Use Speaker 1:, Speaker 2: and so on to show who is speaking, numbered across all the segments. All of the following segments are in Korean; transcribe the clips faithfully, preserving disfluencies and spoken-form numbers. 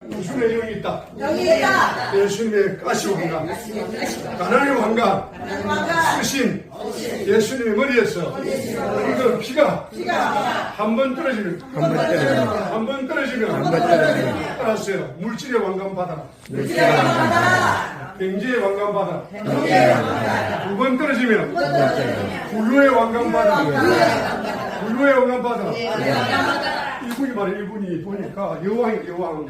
Speaker 1: 예수님의 영이 있다.
Speaker 2: 영이 있다.
Speaker 1: 예수님의 가시왕관, 가나안의 왕관, 쓰신 예수님의 머리에서 그 피가 한 번 떨어지면 한 번 떨어지면 한 번 떨어지면 알았어요. 물질의 왕관 받아라. 경제의 왕관 받아라. 두 번 떨어지면 불로의 왕관 받아라. 불로의 왕관 받아라. 이분이 말해, 이분이 보니까 여왕이 여왕.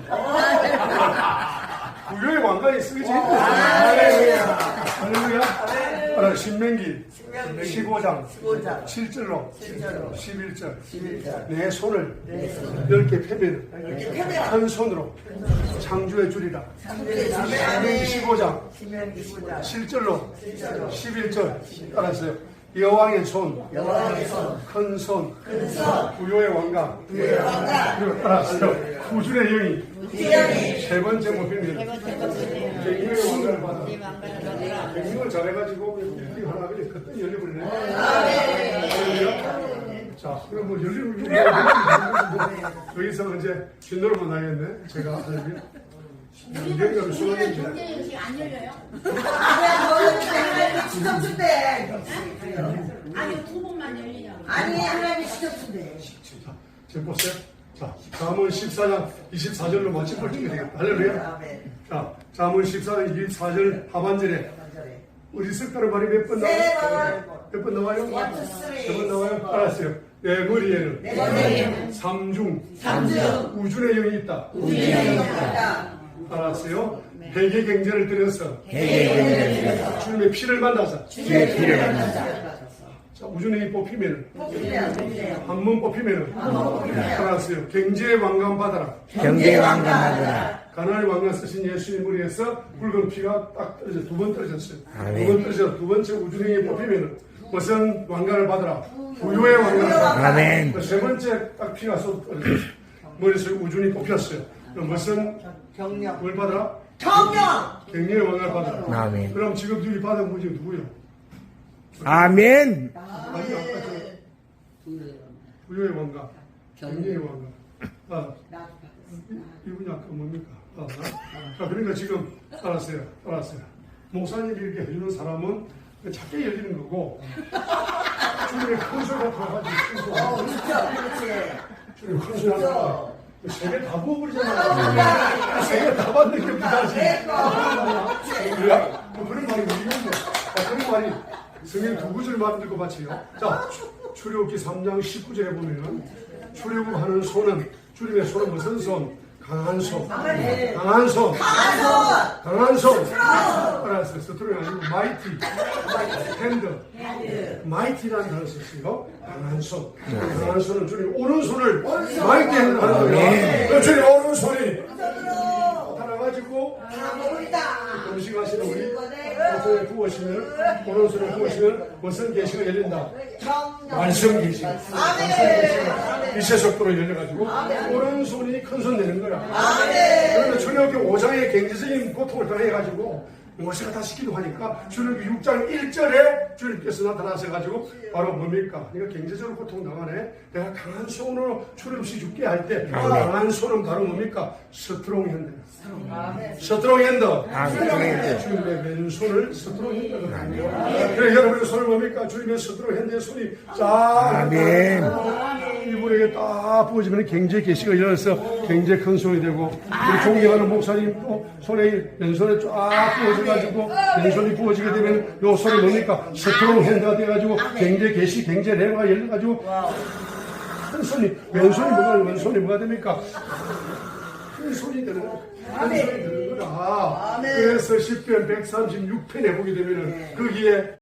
Speaker 1: 불교의 왕관이 쓰지. 할렐루야. 할렐루야. 알아, 신명기 십오 장 칠 절로 십일 절. 내 손을 열 개 펴면 한 손으로 창조해 주리라. 신명기 십오 장 칠 절로 십일 절. 알았어요. 여왕의 손, 큰 손, 부요의 왕관, 그리고 알았어요. 구준의 영이 세 번째 목표입니다. 갱년의 왕관을 받아. 갱년을 잘해가지고 우리 하나 그래 그때 열려버리네. 자, 그럼 뭐 열리는 여기서 이제 진도로만 나겠네. 제가 하려면.
Speaker 3: 우리는 경제연식 안 열려요?
Speaker 2: 시점 준대.
Speaker 3: 아니 두 번만 열리냐고.
Speaker 2: 아니 하나님이 시점 준대.
Speaker 1: 자, 지금 보세요. 자, 잠언 십사 장 이십사 절로 마치 볼 준비 되겠다. 할렐루야. 자, 잠언 십사 장 이십사 절 하반절에 우리 석다는 말이 몇 번 나와요? 몇 번 나와요? 세 번 나와요? 알았어요. 내 머리에는 삼중 우준의 영이 있다. 알았어요? 회개 경제를 들여서 주님의 피를 만나서
Speaker 4: 주의 피를 만나자.
Speaker 1: 자, 우준의 뽑히면 한 번 뽑히면 알았어요. 경제의 왕관 받아라.
Speaker 4: 경제의 왕관 받아라.
Speaker 1: 가나안의 왕관 쓰신 예수님 머리에서 붉은 피가 딱 떨어져 두 번 떨어졌어요.
Speaker 4: 아멘.
Speaker 1: 두 번 떨어져 두 번째 우준의 뽑히면 무슨 왕관을 받아라. 부유의 왕관을 받아라.
Speaker 4: 아멘.
Speaker 1: 세 번째 딱 피가 쏟 떨어졌어요. 머리에서 우준이 뽑혔어요. 그럼 무슨
Speaker 2: 경력.
Speaker 1: 뭘 받아라?
Speaker 2: 경력.
Speaker 1: 갱년의 왕관을 받아라.
Speaker 4: 아멘.
Speaker 1: 그럼 지금 누이 받은 분이 누구요?
Speaker 4: 아멘.
Speaker 1: 아니 아까 저 부유의 왕관, 갱년의 왕관. 아, 이분이 아까 뭡니까? 아, 자, 그러니까 지금 알았어요. 알았어요. 목사님이 이렇게 해주는 사람은 작게 열리는 거고 주님의 큰 소리가 들어가지고 큰 소리.
Speaker 2: 어, 그렇죠.
Speaker 1: 주님 큰 소리 하니까 세개 다 부어버리잖아. 세개 다 받는 게 부담이지. 그래야? 뭐 그런 말이 뭐이건데 아, 그런 말이 성경 두 구절 만들고 바치요. 자, 출애굽기 삼 장 십구 절에 보면 출애굽하는 손은 주님의 손은 무슨 손? 강한 손. 강한 손. 강한 손. 알았어요. 스트로이 아니고 마이티. 핸드. 마이티라는 단어를 썼어요. 강한 손. 강한 손은 주님 오른손을 마이티 핸드로 하는 거예요. 주님 오른손이 나타나가지고 음식 하시는 우리 오른손에 부으시면 오른손에 부으시면 무슨 계시가 열린다? 말씀 계시. 이세 속도로 열려가지고 오른손이 큰 손 되는 거야. 그런데 출애굽기 오 장의 경제적인 고통을 당해가지고 모세가 다 시키고 하니까 출애굽기 육 장 일 절에 주님께서 나타나셔가지고 바로 뭡니까? 네가 경제적으로 고통 당하네. 내가 강한 손으로 출애굽시 죽게 할 때 강한 손은 바로 뭡니까? 스트롱 핸드. 스트롱 핸드. 주님의 왼손을 스트롱 핸드로 합니다. 그래 여러분의 손을 뭡니까? 주님의 스트롱 핸드의 손이 쫙 이분에게 딱 부어지면 경제 계시가 열어서 경제 큰 손이 되고 우리 존경하는 목사님 또 손에 왼손에 쫙 부어져가지고 왼손이 부어지게 되면 요 손이 뭡니까? 스트롱 핸드가 돼가지고 경제 계시 경제 레고가 열려가지고 큰 손이 왼손이 뭐가 왼손이 뭐가 됩니까? 큰 손이 되는 거야. 큰 손이 되는 거야. 그래서 십 편 백삼십육 편에 보게 되면은 거기에